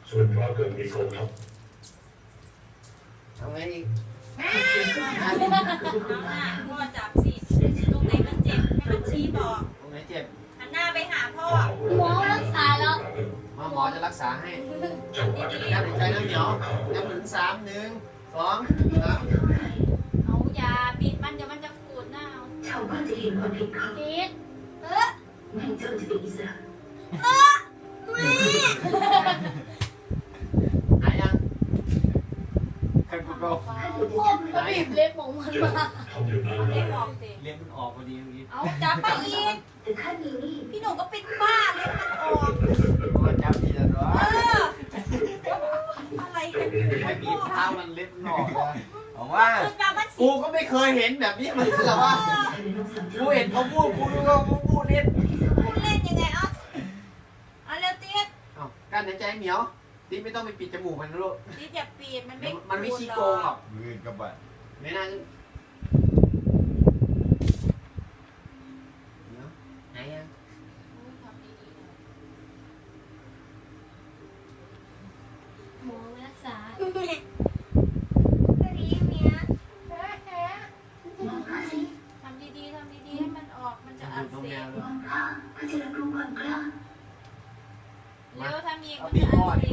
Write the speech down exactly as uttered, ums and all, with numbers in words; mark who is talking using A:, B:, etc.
A: ส่วนเราก็มีกองทัพ
B: ทำไงอีก
C: เอาหน้าพ่อจับสิตรงไหนมันเจ็บให้มันชี้บอก
B: ตรงไหนเจ็บ
C: หันหน้าไปหาพ่อ
D: หมอรักษาแล้ว
B: มาหมอจะรักษาให้
C: ดี
B: นับหายใจน้ำเหนียวนับถึงสามหนึ่งสองสาม
C: ๆเอายาปิดมันเดี๋ยวมันจะขูดหน้าเอา
E: ชาวบ้านจะเห็นความผิดเขา
D: ปิดเออ
E: แม่เจ้าจะเป็นอิสระ
D: เออแม่
B: หายยังใครพูดเบา
D: ผมก็บีบเล็บของมันมา
A: ทำอย่างนั้น
C: เอาเล็บออกสิ
B: เล็บมันออกพอดีเมื่อกี้
C: เอาจับไปอีก
E: แต่ข้ามีนี่
C: พี่หนูก็เป็นบ้าเล็บมันออก
B: มันจับดีแล้ววะ
C: เอออะไรกันอยู่
B: ไม่บีบเท้ามันเล็บมันออกนะบอกว่า
C: คือแบบมัน
B: กูก็ไม่เคยเห็นแบบนี้มันหรอวะ
E: เธอเลยต้องสั่ง
B: กู
E: เจ้า
B: เห็นเขาพูดกูดูว่าเขาพูดเล่น
C: พูดเล่นยังไงอ่ะเอาเร็วติ๊ด
B: อ้าวการหายใจเหนียวติ๊ไม่ต้องไปปิดจมูกมันนะลูก
C: ติ๊ดอย่าปีดมันไม่
B: มันไม่ขี้โกงหรอก
F: มือกับบัตร
B: ไม่น่าเดี๋ยวหายยัง
C: ทำดีๆนะ
D: หมอรักษาก็ดีเมีย
E: มองข้าสิ
C: ทำดีๆทำดีๆให้มันออกมันจะอักเสบ
E: มองข้าข้าจะรับรู้ความกล้า
C: เร็วทำอีก
B: เอา
C: มัน
B: บี
C: จะ
B: บพ่อ
C: อัก
B: ดิ